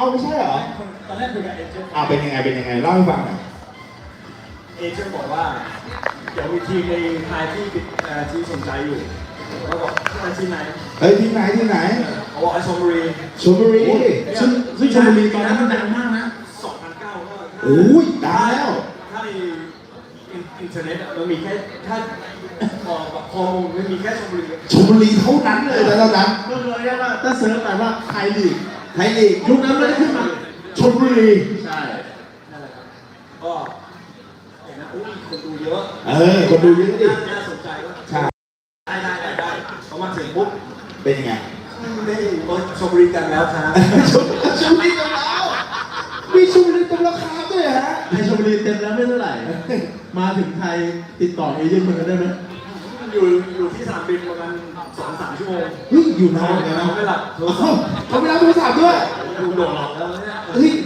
ไม่ใช่เหรอตอนแรกคุยกับเอเจนต์เป็นยังไงเล่าให้ฟังหน่อยเอเจนต์บอกว่าเดี๋ยวมีทีมในไทยที่สนใจอยู่เราบอกทีมไหนทีมไหนเขาบอกชลบุรีซึ่งชลบุรีตอนนั้นมันดังมากนะ 2009ก็โอ้ยดังแล้วถ้าในอินเทอร์เน็ตมันมีแค่ถ้าพอมันมีแค่ชลบุรีเท่านั้นเลยแล้วนั้นก็เลยว่าถ้าเสิร์ชแต่ว่าไทยลีกยุคนั้นไม่ได้ขึ้นมาชลบุรีใช่นั่นแหละครับก็เห็นนะคนดูเยอะคนดูเยอะดิน่าสนใจว่าใช่ได้เขามาถึงปุ๊บเป็นยังไงไม่ชลบุรีกันแล้วครับชลบุรีกันแล้วมีชลบุรีเต็มราคาด้วยฮะในชลบุรีเต็มแล้วไม่เท่าไหร่มาถึงไทยติดต่อเอเจนต์มันได้ไหมอยู่ที่สนามบินประมาณ 2-3 ชั่วโมงอยู่นานเลยนะไม่หลับเขาไม่รับโทรศัพท์ด้วยดูโดนหลอกแล้วเนี่ย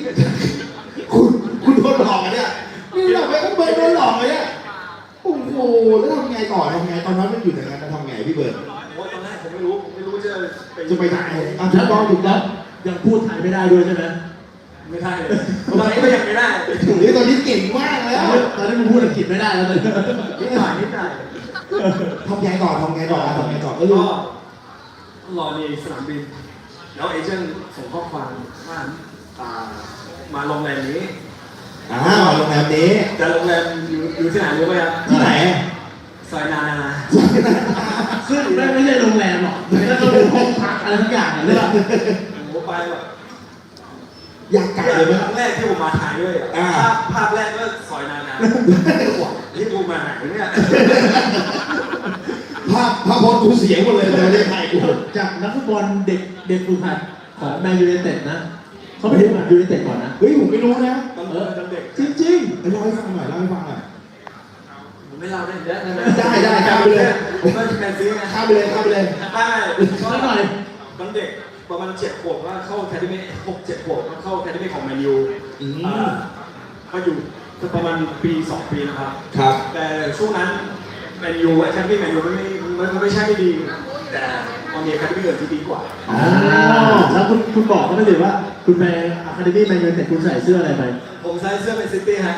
คุณโดนหลอกเนี่ยนี่หลอกไปก็เบิร์ดโดนหลอกเลยเนี่ยโอ้โหแล้วทำไงต่อตอนนั้นมันอยู่ไหนกันทำไงพี่เบิร์ดตอนแรกผมไม่รู้จะไปไหนถูกต้องยังพูดไทยไม่ได้ด้วยใช่ไหมไม่ได้เลยตอนนี้ก็ยังไม่ได้ตอนนี้เก่งมากแล้วตอนนี้มันพูดอังกฤษไม่ได้แล้วเลยนิดหน่อยทำไงต่อก็รอในสนามบินแล้วเอเจนต์ส่งข้อความว่ามาโรงแรมนี้โรงแรมนี้แต่โรงแรมอยู่ที่ไหนรู้ไหมครับที่ไหนซอยนาซึ่งไม่ใช่โรงแรมหรอกแล้วก็เป็นห้องพักอะไรทุกอย่างเลยป่ะผมไปแบบอยากไกลเลยไหมครั้งแรกที่ผมมาถ่ายด้วยภาพแรกก็ซอยนาที่ผมมาถ่ายเนี่ยภาพพอกูเสียหมดเลยในประเทศไทยกูจากนักฟุตบอลเด็กฝึกหัดของแมนยูไนเต็ดนะเขาไปดูแมนยูไนเต็ดก่อนนะผมไม่รู้นะเด็กจริงเล่าให้ฟังหน่อยไม่เล่าได้ได้ข้ามไปเลยผมก็แมนซีนะข้ามไปเลยได้หน่อยตอนเด็กประมาณ7 ขวบก็เข้าแคดมี่6-7 ขวบก็เข้าแคดมี่ของแมนยูก็อยู่ประมาณปี 2 ปีนะครับแต่ช่วงนั้นแมนยูแคดมี่แมนยูมันไม่ใช่ไม่ดีแต่มันมีแคดมี่อื่นที่ดีกว่าแล้วคุณบอกเขาไม่ได้ว่าคุณไปอะคาเดมี่แมนยูแต่คุณใส่เสื้ออะไรไปผมใส่เสื้อเป็นซิตี้ฮะ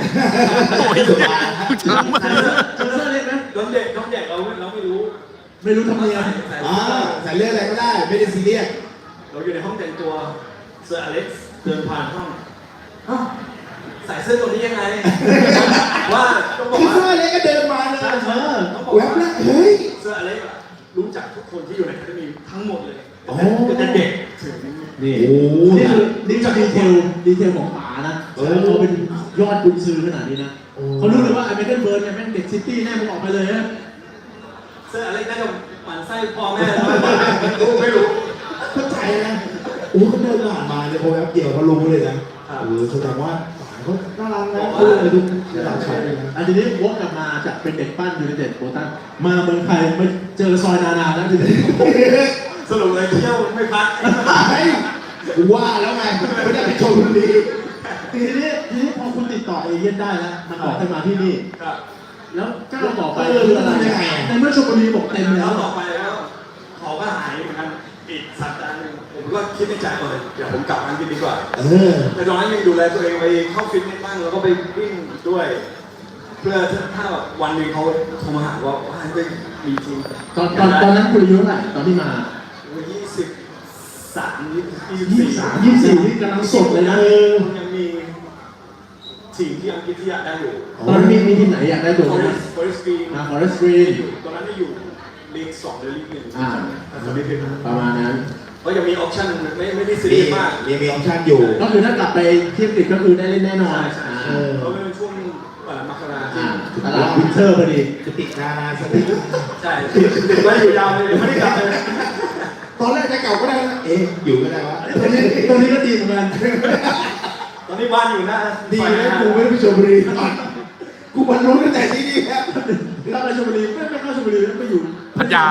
เสื้อเล็กไหมน้องเด็กเราไม่รู้ทำยังไงใส่เรื่องอะไรก็ได้ไม่ได้ซีเรียสเราอยู่ในห้องแต่งตัวเสื้ออเล็กซ์เดินผ่านห้องใส่เสื้อตัวนี้ยังไงว่าต้องบอกว่าเสื้ออเล็กก็เดินมาเลยต้องบอกว่าเฮ้ยเสื้ออเล็กรู้จักทุกคนที่อยู่ในแคดมี่ทั้งหมดเลยแต่เด็กถึงนี่จะดีเทลของป๋านะเขาเป็นยอดกุญซื้อขนาดนี้นะเขารู้เลยว่าไอ้เมเคิลเบิร์นเนี่ยแม่งเด็กซิตี้แน่มึงออกไปเลยนะเสื้ออะไรน่าจะหมั่นไส้พ่อแม่ไม่รู้เข้าใจนะเขาเดินผ่านมาเลยพอแป๊บเดียวเขารู้เลยนะแสดงว่าเขาน่ารักนะดูน่ารักเลยนะอันนี้วกกลับมาจากเป็นเด็กปั้นยูไนเต็ดโบตันมาเมืองไทยมาเจอซอยนาแล้วทีนี้สรุปเลยเที่ยวไม่พักว่าแล้วไงไม่ได้ไปชมบุรีทีนี้พอคุณติดต่อเอเย่นได้แล้วมันบอกให้มาที่นี่แล้วก้าวต่อไปคืออะไรในเมื่อชลบุรีบอกเต็มแล้วต่อไปแล้วเขาก็หายเหมือนกันอีกสัปดาห์นึงผมก็คิดในใจเลยเดี๋ยวผมกลับอังกฤษดีกว่าแต่ตอนนั้นยังดูแลตัวเองไปเข้าฟิตเนสบ้างแล้วก็ไปวิ่งด้วยเพื่อถ้าวันนึงเขาโทรมาหาว่าจะมีทีมตอนนั้นคุณอายุเท่าไหร่ตอนที่มา 23 24นี่กำลังสดเลยนะยังมีทีมที่อังกฤษที่อยากได้อยู่ตอนนี้มีทีมไหนอยากได้ตัวไหม Forest Green ตอนนั้นได้อยู่ลีก 2หรือลีก 1 ประมาณนั้นก็ยังมีออปชั่นไม่ได้ซีเรียสมากยังมีออปชั่นอยู่ก็คือถ้ากลับไปเทียบติดก็คือได้เล่นแน่นอนเพราะเป็นช่วงมกราตลาดวินเทอร์พอดีติดนาสติใช่ติดไว้อยู่ยาวเลยไม่ได้กลับเลยตอนแรกจะเก่าก็ได้นะอยู่ก็ได้วะตอนนี้ก็ดีเหมือนกันตอนนี้บ้านอยู่นะดีนะกูไม่ได้ไปชลบุรีกูบรรลุตั้งแต่ที่นี่แล้วถ้าไปชลบุรีไม่เข้าชลบุรีไม่อยู่พัทยา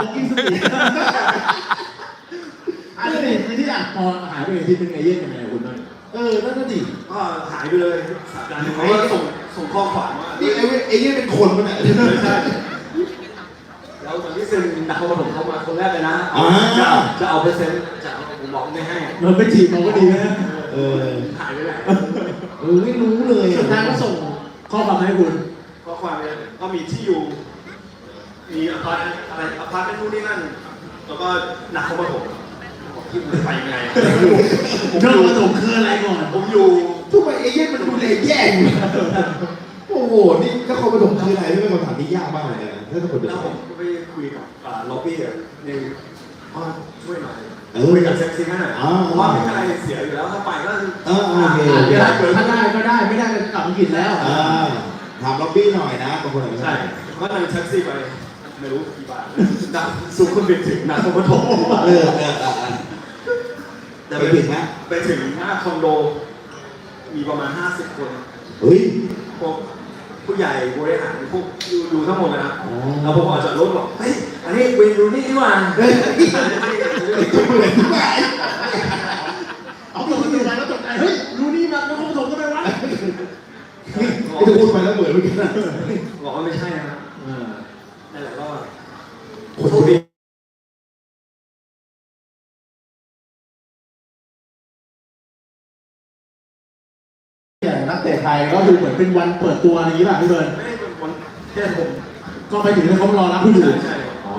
อันนี้ที่พอหายไปทีนึงไอเย่นยังไงคุณน้อยนั่นก็ดีก็หายไปเลยสัปดาห์นึงเขาก็ส่งข้อความว่านี่ไอเย่นเป็นคนมั้ยเนี่ยใช่แล้วตอนที่เซ็นนักบอลผมเข้ามาคนแรกเลยนะจะเอาเปอร์เซ็นต์จะเอาผมบอกไม่ให้มันไม่จีบเราก็ดีนะเออหายไปไหนไม่รู้เลยสุดท้ายก็ส่งข้อความมาให้คุณก็ความเนี่ยก็มีที่อยู่ มีอพาร์ตอะไรอพาร์ตเป็นนู่นนี่นั่น แล้วก็หนักเข้ามาผมไปยังไงเรื่องประถมคืออะไรก่อนผมอยู่ทำไมเอเย่นมันดูแลแย่งโอ้โห นี่ถ้าคนประถมคืออะไรไม่เป็นคำถามที่ยากมากเลยนะถ้าคนเดิแล้วนผมก็ไปคุยกับล็อบบี้ในช่วยหน่อยเออคุยกับเซ็กซี่ให้หน่อยเพราะว่าไม่มีอะไรเสียอยู่แล้วถ้าไปก็โอเคถ้าได้ก็ได้ไม่ได้ก็กลับอังกฤษแล้วถามล็อบบี้หน่อยนะบางคนอาจจะใช่ก็นั่งแท็กซี่ไปไม่รู้กี่บาทดับสูงคนบินถึงนครปฐมไปถึงไหมไปถึงหน้าคอนโด มีประมาณ50 คนเฮ้ยพวกผู้ใหญ่บริหารพวกดูทั้งหมดนะครับแล้วผมออกจากรถบอกเฮ้ยอันนี้เวย์รูนี่นี่หว่าเอาตัวกันอยู่มาแล้วตกใจเฮ้ยรู้นี่มันแล้วเขาผสมกันไปวะไอ้จะพูดไปแล้วเหมือนเมื่อกี้นะบอกว่าไม่ใช่นะครับนั่นแหละก็คนโชคดีอย่างนักเตะไทยก็ดูเหมือนเป็นวันเปิดตัวอะไรอย่างนี้ป่ะพี่เบิร์นไม่ได้เป็นคนแค่ผมก็ไปถึงแล้วเขารอรับคุณอยู่ใช่อ๋อ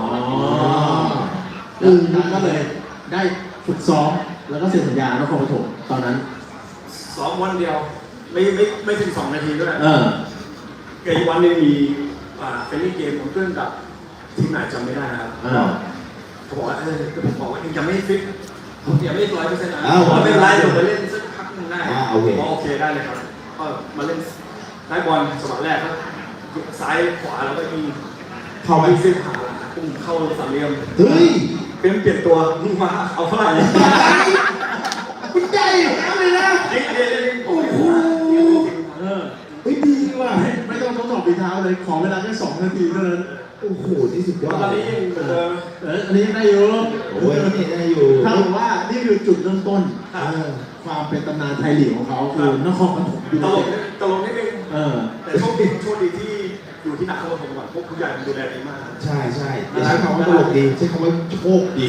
ก็เลยได้ฝึกซ้อมแล้วก็เซ็นสัญญานครปฐมตอนนั้นซ้อมวันเดียว ไม่ถึง2 นาทีด้วยเอีกวันหนึงมีเฟรนลี่เกมผมเพื่อนกับทีมไหนจำไม่ได้นะครับเขาบอกว่าผมบอกว่ายังไม่ฟิตผมยังไม่100%นะไม่เป็นไรเดี๋ยวไปเล่นสักพักนึงได้โอเคได้เลยครับก็มาเล่นได้บอลสมัยแรกก็ซ้ายขวาแล้วก็มีเข้าไปเส้นผ่าปุ่มเข้าสามเหลี่ยมเฮ้ยเปลี่ยนตัวมึงมาเอาเท่าไหร่คุณใจเลยนะโอ้โหเฮ้ยดีว่ะไม่ต้องทดสอบฝีเท้าเลยขอเวลาแค่2 นาทีเท่านั้นโอ้โหนี่สุดยอดตอนนี้ยังเหมือนเดิมอันนี้ได้อยู่โอ้ยนี่ได้อยู่ถ้าบอกว่านี่คือจุดเริ่มต้นความเป็นตำนานไทยลีกของเขาคือนครปฐมยูตไนลเต็กดตลกนิดนึงแต่โชคดีที่อยู่ที่นครปฐมก่อนพวกผู้ใหญ่ดูแลดีมากใช่ใช่ใช้คำว่าตลกดีใช้คำว่าโชคดี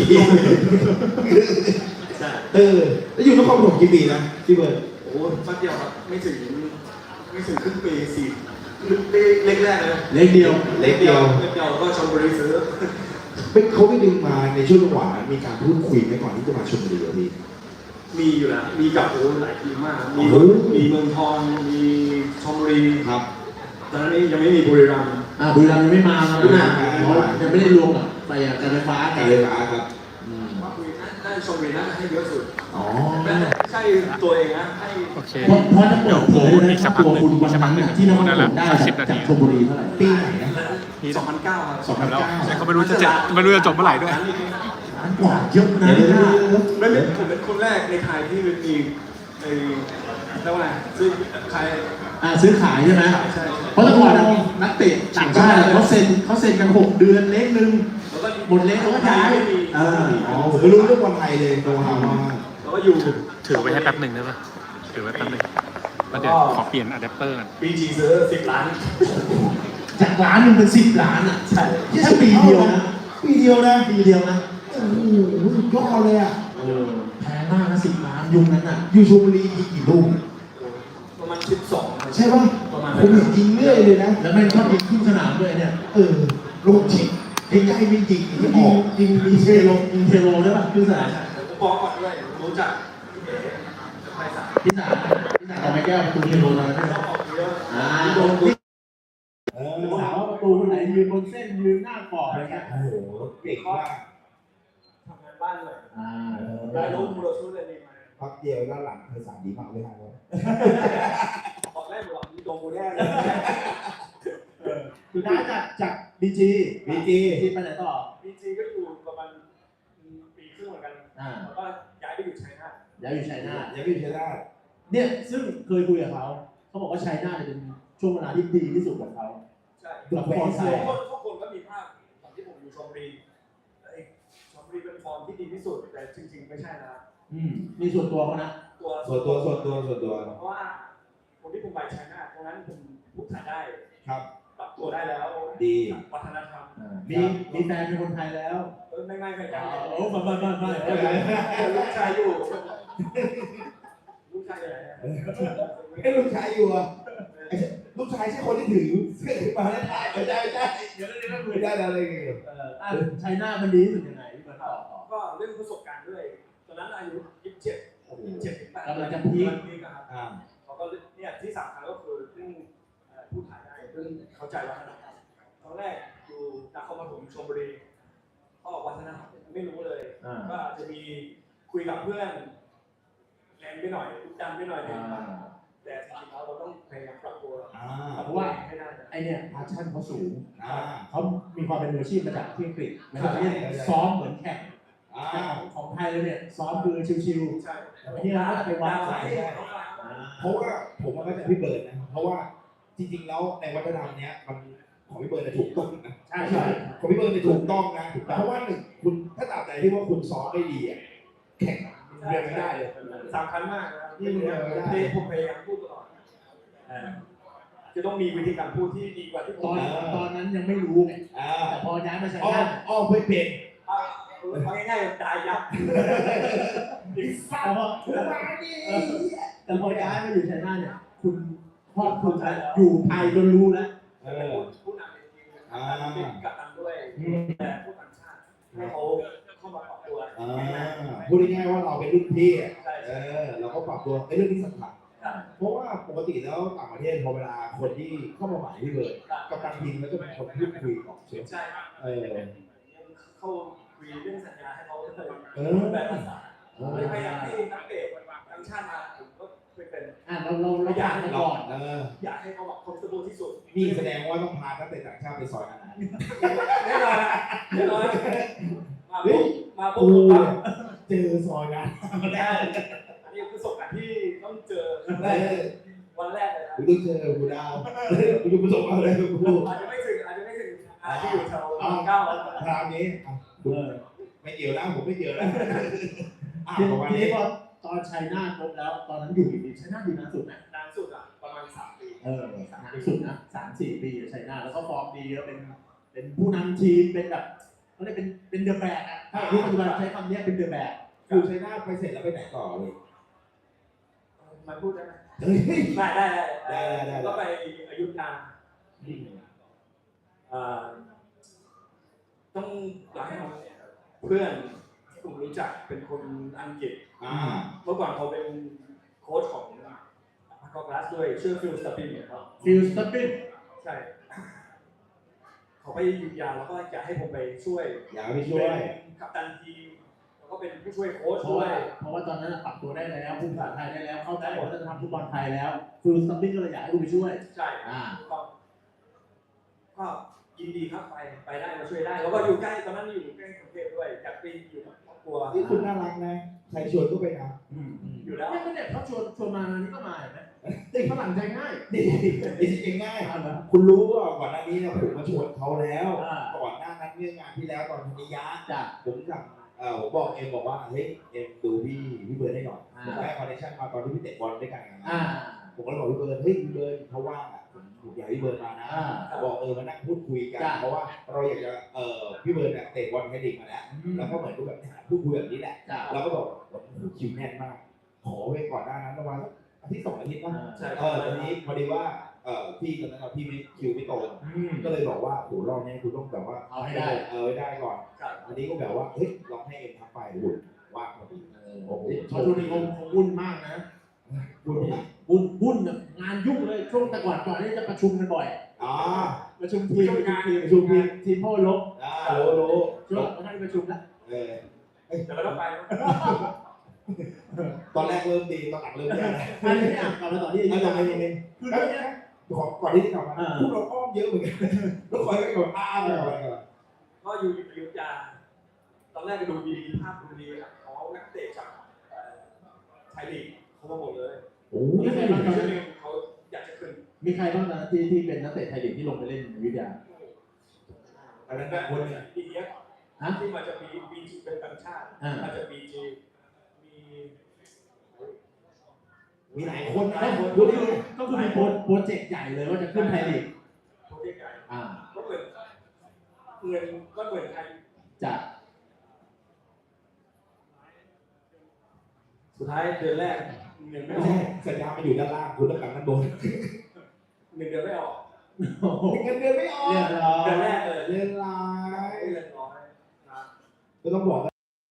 ใช่แล้วอยู่นครปฐมกี่ปีนะพี่เบิร์ดโอ้แป๊บเดียวครับไม่ถึงครึ่งปี4เล็กแรกเลยเล็กเดียวเล็กเดียวแล้วก็ชลบุรีซื้อเป็นเขาไม่ดึงมาในช่วงจังหวะนั้นมีการพูดคุยไหมก่อนที่จะมาชลบุรีพี่มีอยู่แล้วมีกับหลายทีมมากมีเมืองทองมีชลบุรีครับตอนนั้นยังไม่มีบุรีรัมย์บุรีรัมย์ยังไม่มาครับนะยังไม่ได้รวมกับการไฟฟ้าการไฟฟ้าครับว่าคุยน่าชลบุรีน่าให้เยอะสุดอ๋อไม่ใช่ตัวเองนะให้โอเคเพราะจะเปิดเผยเลยนะตัวคุณวันนั้นที่นครปฐมได้จากชลบุรีเท่าไหร่ปีไหนนะ 2009ครับ 2009 แต่ก็ไม่รู้จะจบเมื่อไหร่ด้วยล้านกว่าเยอะนะไม่เป็นผมเป็นคนแรกในไทยที่มีไอ้เรียกว่าไงซื้อใครซื้อขายใช่ไหมใช่เพราะแต่ก่อนนักเตะต่างชาติเขาเซ็นกัน6 เดือนเล็กนึงแล้วก็หมดเล็กเขาก็ย้ายอ๋อผมไม่รู้เรื่องบอลไทยเลยโตฮามากแล้วก็อยู่ถือไว้ให้แป๊บหนึ่งได้ปะถือไว้แป๊บหนึ่งแล้วเดี๋ยวขอเปลี่ยนอะแดปเตอร์กันปีจีซื้อ10 ล้านจากล้านนึงเป็น10 ล้านอ่ะใช่แค่ปีเดียวนะปีเดียวนะปีเดียวนะโอ้โหสุดยอดเลยอ่ะแพงมากนะ10 ล้านยุคนั้นอ่ะอยู่ชลบุรียิงกี่ลูกประมาณ12 ใช่ป่ะผมเห็นยิงเรื่อยเลยนะแล้วแม่งชอบยิงขึ้นสนามด้วยเนี่ยลูกฉิงใกล้ๆไม่ยิงที่ออกยิงเทโลได้ป่ะขึ้นสนามผมบอกก่อนด้วยรู้จักไพศาลพี่สารเอาไม้แก้วประตูเทโลตอนนั้นชอบออกเยอะโดนถามว่าประตูคนไหนยืนบนเส้นยืนหน้ากรอบอะไรเงี้ยโอ้โหเก่งมากทำงานบ้านเลยได้ได้รู้รู้มูลชุดเลยดีมาพักเดียวด้านหลังเคยสามดีมากเลยครับออกแรกบอกมีโดนกูแน่เลยสุดท้ายจากบีจีไปไหนต่อบีจีก็อยู่ประมาณปีครึ่งเหมือนกันแล้วก็ย้ายไปอยู่ชัยนาทย้ายอยู่ชัยนาทยังไม่ใช่ได้เนี่ยซึ่งเคยคุยกับเขาบอกว่าชัยนาทเป็นช่วงเวลาที่ดีที่สุดของเขาใช่กับฟอร์มไทยทุกคนก็มีภาพตอนที่ผมอยู่ชลบุรีชลบุรีเป็นฟอร์มที่ดีที่สุดแต่จริงๆไม่ใช่นะมีส่วนตัวเขานะส่วนตัวเพราะว่าคนที่ผมไปชัยนาทตรงนั้นผมพูดไทยได้ครับปรับตัวได้แล้วดีวัฒนธรรมมีแฟนเป็นคนไทยแล้วไม่กันโอ้ไม่ลูกชายอยู่ลูกช่เลยไอ้ลูกชายอยู่อ่ะลูกชายใช่คนที่ถือเสื้อขึ้นมาแล้วถ่ายไม่ได้เดี๋ยวนี้ก็คุไม่ยได้อะไรไงไชน่ามันดีที่สุดยังไงพี่เบิร์ดต่อก็เรื่องประสบการณ์ด้วยตอนนั้นอายุ27 กำลังจะพีคครับอ่าเขาก็เนี่ยที่สำคัญก็คือเรื่องพูดถ่ายได้เรื่องเข้าใจวัฒนธรรมตอนแรกอยู่นครปฐมชลบุรีก็วัฒนธรรมไม่รู้เลยก็อาจจะมีคุยกับเพื่อนแรงไปหน่อยดันไปหน่อยนึงแต่จริงๆแล้วเราต้องพยายามปรับตัวเพราะว่าให้ได้ไอเนี่ยพาชั่นเขาสูงอ่าเขามีความเป็นมืออาชีพมาจากที่อังกฤษไม่ใช่ที่ซ้อมเหมือนแข่งอ่าของไทยเลยเนี่ยซ้อมคือชิวใช่ๆอันนี้เราก็จะไปวัดใช่เพราะว่าผมมันก็จะพี่เบิร์ดนะเพราะว่าจริงๆแล้วในวัฒนธรรมเนี้ยมันของพี่เบิร์ดถูกต้องนะใช่ใช่ของพี่เบิร์ดถูกต้องนะเพราะว่าหนึ่งคุณถ้าตราบใดที่ว่าคุณซ้อมไม่ดีอ่ะแข่งเรียนไม่ได้เลยสำคัญมากนะที่ผมพยายามพูดตลอดจะต้องมีวิธีการพูดที่ดีกว่าที่ผมตอนนั้นยังไม่รู้ไงอ่าแต่พอย้ายมาใช้อ้อได้มอ้อมไม่เป็นเอาง่ายๆตายยับแต่พอแต่พอย้ายมาอยู่ใช้ได้เนี่ยคุณครอบคลุมแล้วอยู่ไทยจนรู้แล้วผู้นำในทีมเป็นกัปตันด้วยแต่ผู้ต่างชาติให้เขาเข้ามาปรับตัวพูดง่ายๆว่าเราเป็นรุ่นพี่เราก็ปรับตัวในเรื่องที่สำคัญเพราะว่าปกติแล้วต่างประเทศพอเวลาคนที่เข้ามาใหม่ที่เบิร์ดกับการทีมแล้วก็เป็นคนพูดคุยก่อนใช่ไหมใช่ เข้าคุยเรื่องสัญญาให้เขาเลยแบบภาษาพยายามให้นักเตะต่างชาติมาผมก็เป็นเราอยากให้ก่อนอยากให้เขาแบบคอมฟอร์ทที่สุดนี่แสดงว่าต้องพานักเตะต่างชาติไปซอยอาหารแน่นอนแน่นอนมาปุ๊บเจอซอยนะอันนี้คือประสบการณ์ที่ต้องเจอวันแรกเลยนะคุณต้องเจอกูดาวคุณประสบอะไรกับกูอาจจะไม่ถึงที่อยู่แถวเก้าคราวนี้ไม่เกี่ยวแล้วผมไม่เกี่ยวแล้วทีนี้พอตอนชัยนาทครบแล้วตอนนั้นอยู่กี่ปีชัยนาทอยู่นานสุดนะนานสุดอ่ะประมาณ3 ปีนานสุดนะ3-4 ปีชัยนาทแล้วก็ฟอร์มดีแล้วเป็นผู้นำทีมเป็นแบบเขาเรียกเป็นเดอะแบกอ่ะถ้ารู้ปัจจุบันใช้คำนี้เป็นเดอะแบกอยู่ชัยนาทไปเสร็จแล้วไปไหนต่อเลยมันพูดได้ไหมได้ได้ก็ไปอยุธยาต้องหลังเพื่อนที่ผมรู้จักเป็นคนอังกฤษเมื่อก่อนเขาเป็นโค้ชของพาร์คกราสด้วยชื่อฟิลสตัปปินเนี่ยครับฟิลสตัปปิ้นใช่เขาไปอยุธยาแล้วก็อยากให้ผมไปช่วยอยากไปช่วยกัปตันทีมแล้วก็เป็นผู้ช่วยโค้ชเพด้วยราะว่าตอนนั้นปรับตัวได้แล้วพูดภาษาไทยได้แล้วเข้าใจวัฒนธรรมฟุตบอลไทยแล้วฟิลสตัปปิ้นก็เลยอยากให้คุณไปช่วยใช่ก็ยินดีครับไปได้มาช่วยได้แล้วก็อยู่ใกล้ตอนนั้นอยู่ใกล้กรุงเทพด้วยอยากไปอยู่กับครอบครัวนี่คุณน่ารักนะใครชวนก็ไปนะอยู่แล้วไม่ก็เนี่ยเขาชวนมานี่ก็มาเห็นไหมติดฝรั่งใจง่ายดีจริงง่ายคุณรู้ว่าก่อนหน้านี้เนี่ยผมมาชวนเขาแล้วก่อนหน้านั้นเรื่องงานที่แล้วตอนนิยะผมสั่งผมบอกเอ็มบอกว่าเฮ้ยเอ็มดูพี่เบิร์ดได้หน่อยผมได้คอนเนคชั่นมาตอนที่พี่เตะบอลด้วยกันผมก็เลยบอกพี่เบิร์ดเฮ้ยพี่เบิร์ดเขาว่างอ่ะผมอยากให้พี่เบิร์ดมานะบอกมานั่งพูดคุยกันเพราะว่าเราอยากจะพี่เบิร์ดเนี่ยเตะบอลแคดิกมาแล้วก็เหมือนกับแบบพูดคุยแบบนี้แหละเราก็บอกคิวแน่นมากขอไว้ก่อนหน้านั้นประมาณอาทิตย์2 อาทิตย์นะตอนนี้พอดีว่าพี่ตอนนั้นพี่ไม่คิวไม่ตรงก็เลยบอกว่าโหรอบนี้คุณต้องแบบว่าเอาให้ได้ได้ก่อนอันนี้ก็แบบว่าเฮ้ยลองให้เอ็มทักไปหุ่นว่าพอดีโอ้โหช่วงนี้คงวุ่นมากนะวุ่นงานยุ่งเลยช่วงแต่ก่อนที่จะประชุมกันบ่อยประชุมทีมพ่อลบรู้ช่วงไม่ได้ประชุมแล้วแต่ก็ต้องไปตอนแรกเริ่มดีตอนหลังเริ่มแย่อันนี้กลับมาต่อที่อาจารย์นี่คือเรื่องนี้ก่อนที่จะกลับมาพวกเราอ้อมเยอะเหมือนกันแล้วคอยไปก่อนไปก่อนก็อยู่อยุธยาตอนแรกก็ดูดีภาพดูดีเขานักเตะจากไทยลีกเขามาหมดเลยโอ้มีใครบ้างเขาอยากจะขึ้นมีใครบ้างนะที่เป็นนักเตะไทยลีกที่ลงไปเล่นอยุธยาอันนั้นแบบคนเนี่ยดีเอฟที่มาจากบีจีเป็นต่างชาติมาจากบีจีมีหลายคนนะดูดิก็คือมีโปรเจกต์ใหญ่เลยว่าจะขึ้นไทยลีกโปรเจกต์ใหญ่ก็เหมือนเงินก็เหมือนไทยจะสุดท้ายเดือนแรกเงินไม่ไม่ออใช่กสัญญามาอยู่ด้านล่างคุณต้องกลับด้านบนเงินเดือนไม่ออกโอ้โหเงินเดือนไม่ออกเรียบร้อยเดือนแรกเลยเดือนร้ายเดือนน้อยนะก็ต้องบอก